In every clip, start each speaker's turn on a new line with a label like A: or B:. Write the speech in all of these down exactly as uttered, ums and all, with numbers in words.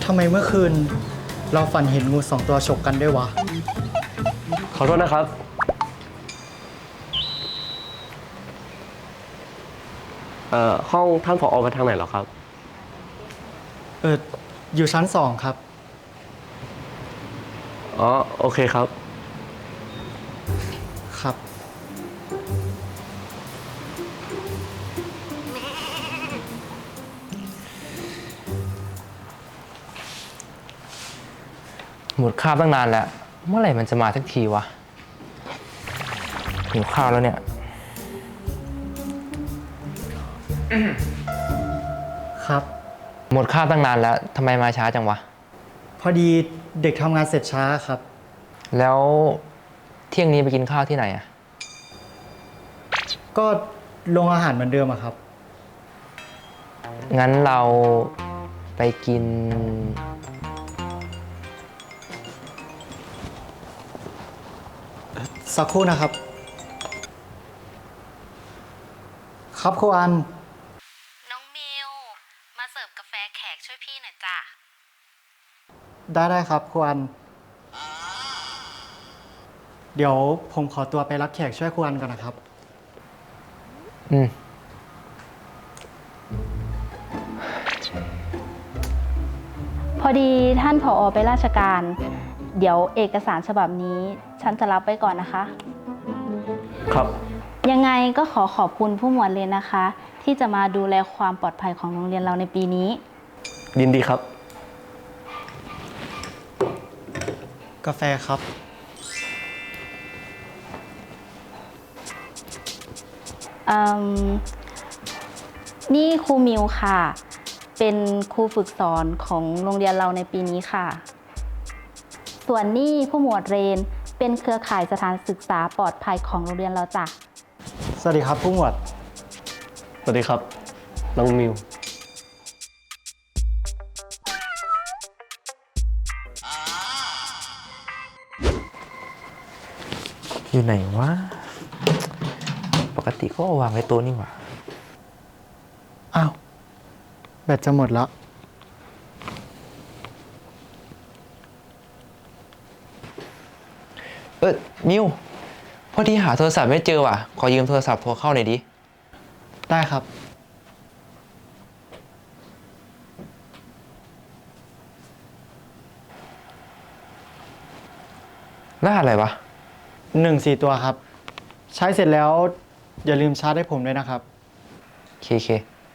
A: ทำไมเมื่อคืนเราฝันเห็นงูสองตัวฉกกันด้วยวะ
B: ขอโทษนะครับ เอ่อ ห้องท่านผอไปทางไหนเหรอครับ
A: เออ อยู่ชั้นสองครับ
B: อ๋อ โอเคครับ
A: ครับ
C: หมดข้าวตั้งนานแล้ว เมื่อไหร่มันจะมาสักทีวะหิวข้าวแล้วเนี่ย
A: ครับ
C: หมดข้าวตั้งนานแล้วทำไมมาช้าจังวะ
A: พอดีเด็กทำงานเสร็จช้าครับ
C: แล้วเที่ยงนี้ไปกินข้าวที่ไหนอะ
A: ก็โรงอาหารเหมือนเดิมอะครับ
C: งั้นเราไปกิน
A: สักครู่นะครับ ครับครูอัน
D: น้องมิว มาเสิร์ฟกาแฟแขกช่วยพี่หน่อยจ้ะ
A: ได้ได้ครับครูอัน เดี๋ยวผมขอตัวไปรับแขกช่วยครูอันก่อนนะครับ
C: อืม
D: พอดีท่านผอไปราชการ เดี๋ยวเอกสารฉบับนี้ฉันจะรับไว้ก่อนนะคะ
B: ครับ
D: ยังไงก็ขอขอบคุณผู้หมวดเรียนนะคะ ที่จะมาดูแลความปลอดภัยของโรงเรียนเราในปีนี้
B: ยินดีครับ
A: กาแฟครับ
D: อืมนี่ครูมิวค่ะ เป็นครูฝึกสอนของโรงเรียนเราในปีนี้ค่ะ ส่วนนี่ผู้หมวดเรนเป็นเครือข่ายสถานศึกษาปลอดภัยของโรงเรียนเราจ้ะ
A: สวัสดีครับผู้หมวด
B: สวัสดีครับ น้องมิว
C: อยู่ไหนวะ ปกติก็เอาวางไว้โต๊ะนี่หว่า
A: อ้าว แบตจะหมดแล้ว
C: เออมิวพอดีหาโทรศัพท์ไม่เจอว่ะ ขอยืมโทรศัพท์โทรเข้าหน่อยดิ
A: ได้ครับ
C: รหัสอะไรวะ
A: หนึ่งสี่ตัวครับ ใช้เสร็จแล้วอย่าลืมชาร์จให้ผมด้วยนะครับ
C: เคเค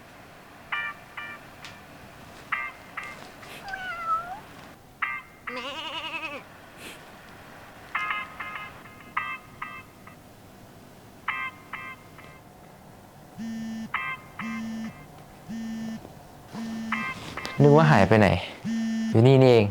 C: นึกว่าหายไปไหน อยู่นี่นี่เอง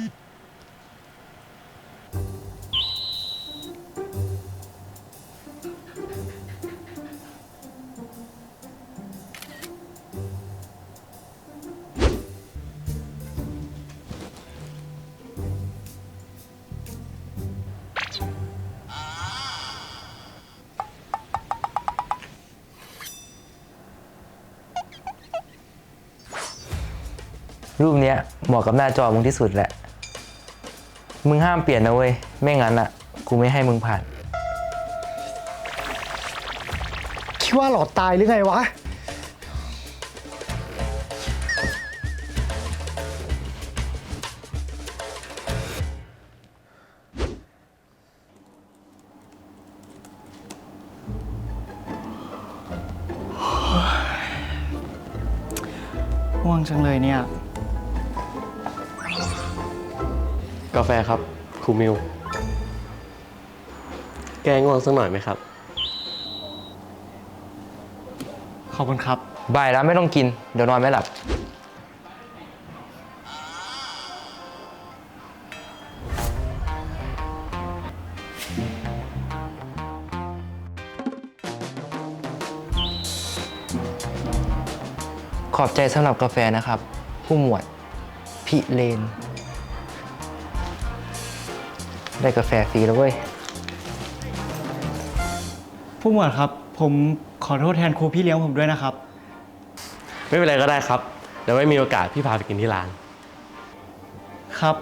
C: รูปเนี้ยเหมาะกับหน้าจอมึงที่สุดแหละ มึงห้ามเปลี่ยนนะเว้ย ไม่งั้นอ่ะ กูไม่ให้มึงผ่าน
A: คิดว่าหลอดตายหรือไงวะ ง่วงจังเลยเนี่ย
B: กาแฟครับ ครูมิว แกง่วงสักหน่อยไหมครับ
A: ขอบคุณครับ
C: บ่ายแล้วไม่ต้องกิน เดี๋ยวนอนไม่หลับ ขอบใจสำหรับกาแฟนะครับ ผู้หมวดพิเรน ได้กาแฟฟรีแล้วเว้ย
A: ผู้หมวดครับ ผมขอโทษแทนครูพี่เลี้ยงผมด้วยนะครับ
B: ไม่เป็นไรก็ได้ครับ เดี๋ยวไม่มีโอกาสพี่พาไปกินที่ร้าน
A: ครับ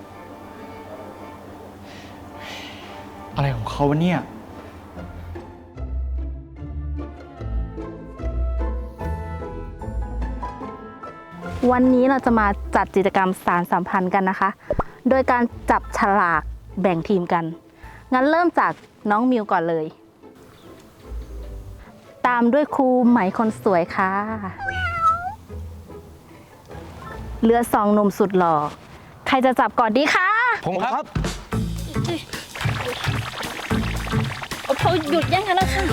A: อะไรของเขาวะเนี่ย
D: วันนี้เราจะมาจัดกิจกรรมสารสัมพันธ์กันนะคะ โดยการจับฉลากแบ่งทีมกัน งั้นเริ่มจากน้องมิวก่อนเลย ตามด้วยครูไหมคนสวยค่ะ เหลือสองหนุ่มสุดหล่อ ใครจะจับก่อนดีคะ
C: ผมครับ
D: เขาหยุดยังกันแล้วค่ะ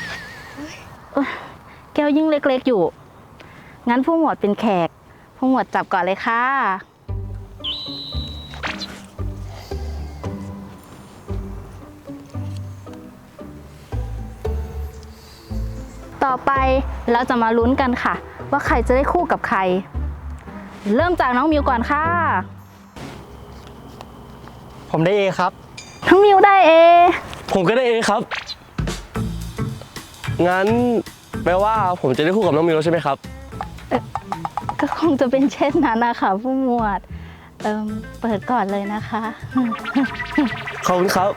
D: แก้วยิ่งเล็กๆอยู่ งั้นผู้หมวดเป็นแขก ผู้หมวดจับก่อนเลยค่ะ ต่อไปเราจะมาลุ้นกันค่ะ ว่าใครจะได้คู่กับใคร เริ่มจากน้องมิวก่อนค่ะ
A: ผมได้เอครับ
D: น้องมิวได้เอ
B: ผมก็ได้เอครับ งั้นแปลว่าผมจะได้คู่กับน้องมิวแล้วใช่ไหมครับ
D: ก็คงจะเป็นเช่นนั้นนะคะผู้หมวดเอิมเปิดก่อนเลยนะคะ
B: ขอบคุณครับ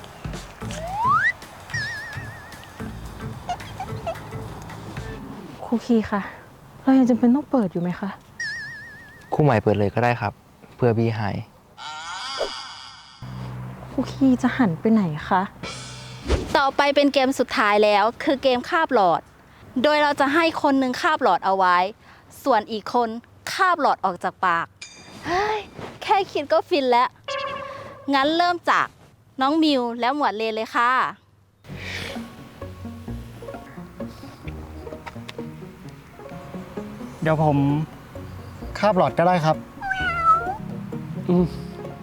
E: ครูคีค่ะ เรายังจำเป็นต้องเปิดอยู่ไหมคะ
C: คู่ใหม่เปิดเลยก็ได้ครับ เพื่อบีหาย
E: ครูคีจะหันไปไหนคะ
D: ต่อไปเป็นเกมสุดท้ายแล้วคือเกมคาบหลอด โดยเราจะให้คนหนึ่งคาบหลอดเอาไว้ ส่วนอีกคนคาบหลอดออกจากปาก เฮ้ย แค่คิดก็ฟินแล้ว งั้นเริ่มจากน้องมิวและหมวดเลนเลยค่ะ
A: เดี๋ยวผมคาบหลอดก็ได้ครับ
B: อืม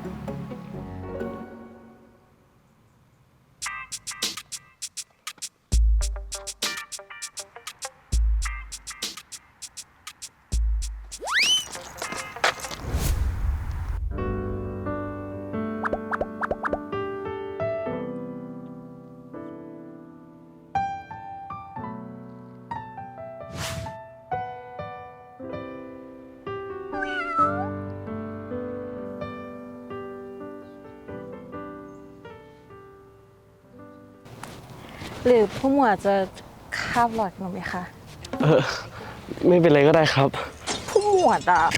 E: หรือผู้หมวดจะคาบหลอดหนูไหมคะ
B: เออ ไม่เป็นไรก็ได้ครับ
E: ผู้หมวดอ่ะ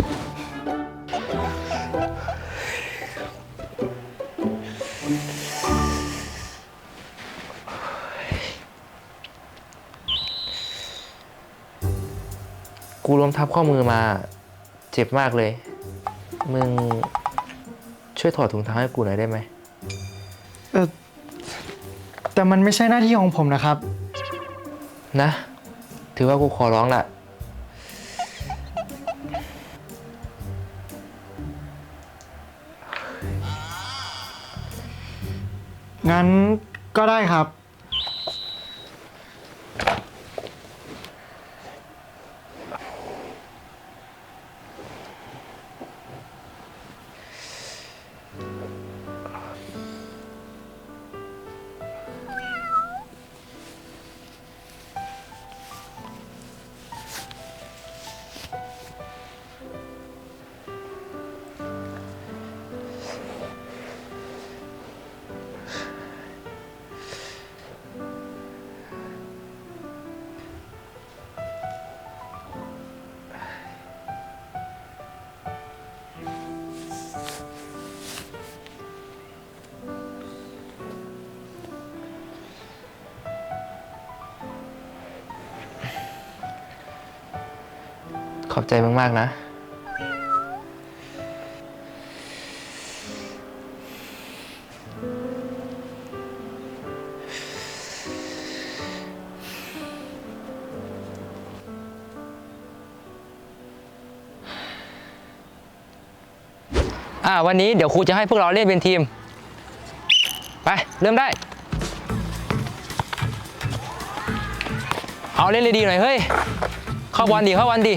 C: กูล้มทับข้อมือมา เจ็บมากเลย มึงช่วยถอดถุงเท้าให้กูหน่อยได้ไหม
A: เออแต่มันไม่ใช่หน้าที่ของผมนะครับ
C: นะ ถือว่ากูขอร้องละ
A: งั้นก็ได้ครับ
C: ขอบใจมากๆนะ อ่าวันนี้เดี๋ยวครูจะให้พวกเราเล่นเป็นทีม ไป เริ่มได้ เอาเล่นเลยดีหน่อยเฮ้ย เข้าบอลดิเข้าบอลดิ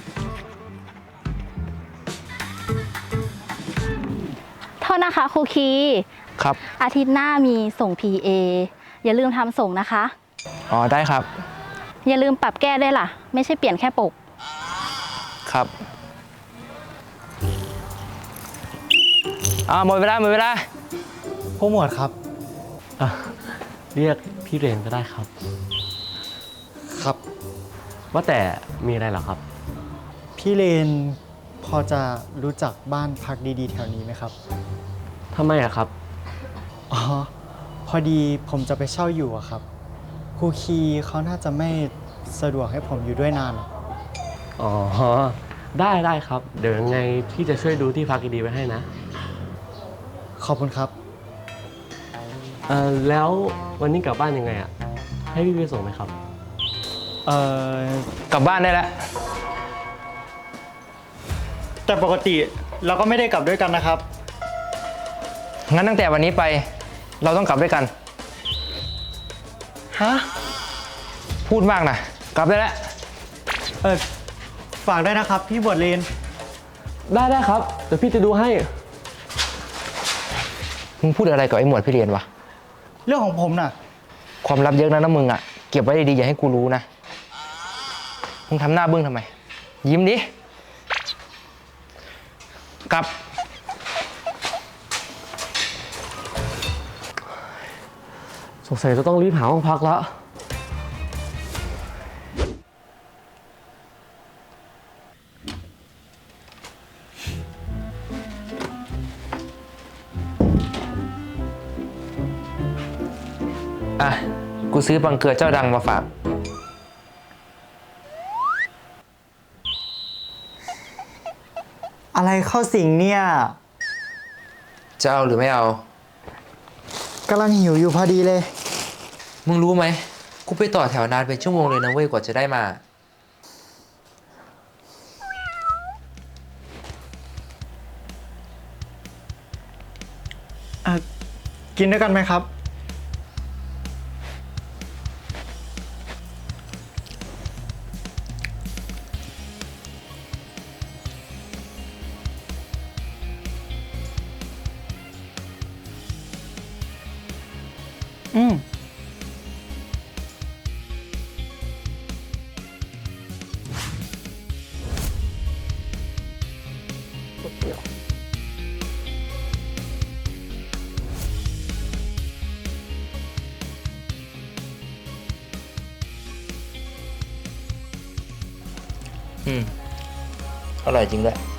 D: โทษนะคะครูคี
C: ครับ
D: อาทิตย์หน้ามีส่ง พี เอ อย่าลืมทำส่งนะคะ
C: อ๋อ ได้ครับ
D: อย่าลืมปรับแก้ได้วยล่ะ ไม่ใช่เปลี่ยนแค่ปก
C: ครับอ่าหมดเวลาหมดเวลา
A: ผู้หมวดครับ
B: อ่ะเรียกพี่เรนก็ได้ครับ
A: ครับ
B: ว่าแต่มีอะไรเหรอครับ
A: พี่เลนพอจะรู้จักบ้านพักดีๆ แถวนี้ไหมครับ
B: ทำไมอะครับ
A: อ๋อ พอดีผมจะไปเช่าอยู่อะครับ ครูคีเขาน่าจะไม่สะดวกให้ผมอยู่ด้วยนานหรอก
B: อ๋อ ได้ได้ครับ เดี๋ยวยังไงพี่จะช่วยดูที่พักดีๆไว้ให้นะ
A: ขอบคุณครับ
B: เออแล้ววันนี้กลับบ้านยังไงอะให้พี่ไปส่งไหมครับ
A: เอ่อ
C: กลับบ้านได้แล้ว
A: แต่ปกติเราก็ไม่ได้กลับด้วยกันนะครับ
C: งั้นตั้งแต่วันนี้ไป เราต้องกลับด้วยกัน
A: ฮะ
C: พูดมากนะ กลับได้แล้ว
A: เออฝากด้วยนะครับ พี่บวชเลน
B: ได้ได้ครับ เดี๋ยวพี่จะดูให้
C: มึงพูดอะไรกับไอ้หมวดพี่เรียนวะ
A: เรื่องของผมน่ะ
C: ความลับเยอะนะนะมึงอ่ะ เก็บไว้ดีๆอย่าให้กูรู้นะ มึงทำหน้าบึ้งทำไม ยิ้มดิ กลับ
B: สงสัยจะต้องรีบหาห้องพักแล้ว
C: อ่ะ กูซื้อบังเกลือเจ้าดังมาฝาก
A: อะไรเข้าสิงเนี่ย
C: จะเอาหรือไม่เอา
A: กำลังหิวอยู่พอดีเลย
C: มึงรู้ไหม กูไปต่อแถวนานเป็นชั่วโมงเลยนะเว้ยกว่าจะได้มา
A: อ่ะ กินด้วยกันไหมครับ อืม
C: อืม อร่อยจริงด้วย